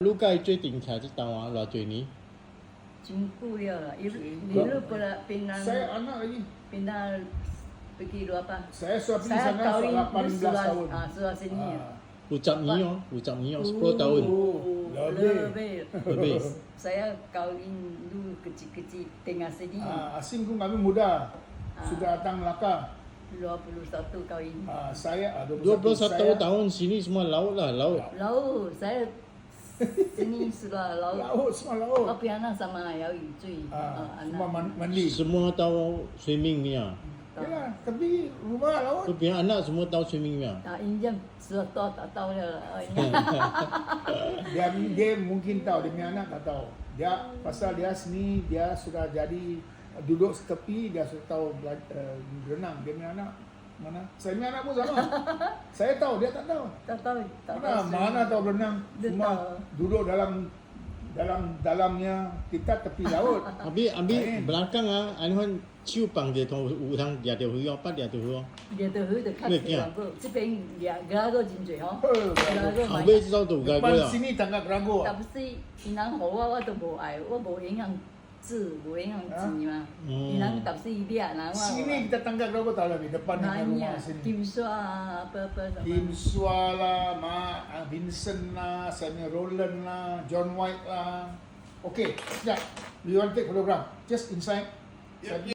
Lu kai最顶起来这档啊，偌济年？ 真久了啦，你pernah Saya anak lagi. pindah pergi luar apa? Saya sudah pergi Saya sana kahwin 18 tahun. sudah sini. Ucap ni oh, 10 tahun. Lebih. Saya kahwin dulu kecil-kecil tengah sini. Asing pun kami muda. Sudah datang Melaka. 21 kahwin. Saya 21 saya, tahun sini semua laut lah, laut. Laut, saya sini sudah laut. Laut, semua laut. Tapi anak sama ayah Yui Semua anak. mandi. Semua tahu swimming ni ah. Yalah, tapi rumah laut. Tu pihak anak semua tahu swimming ni ah. Injam sudah tahu tak tahu lah. Dia mungkin tahu, dia punya anak tak tahu. Dia pasal dia sini dia sudah jadi duduk setepi, dia sudah tahu berenang. Dia punya anak mana? Saya punya anak pun sama. Saya tahu, dia tak tahu. Tak tahu. Mana tahu berenang? Dia Cuma tahu. duduk dalamnya kita tepi laut. Abi belakang ah, anu chiu pang dia tu utang dia tu hui apa dia tu hui. 你的河的看起来这边两个真多吼，两个 Abi 知道tu gak Depan gua. sini tanggap Gerago. 但不是因人互我都无爱，我无影响字，无影响字嘛。因人但是伊俩人 Sini kita tanggap Gerago tahu lagi depan dengan rumah banyak sini. Kim Sua apa sama. Kim Sua lah, Vincent lah, Samuel Roland lah, John White lah. Okay, sekejap. We want to take photograph. Just inside.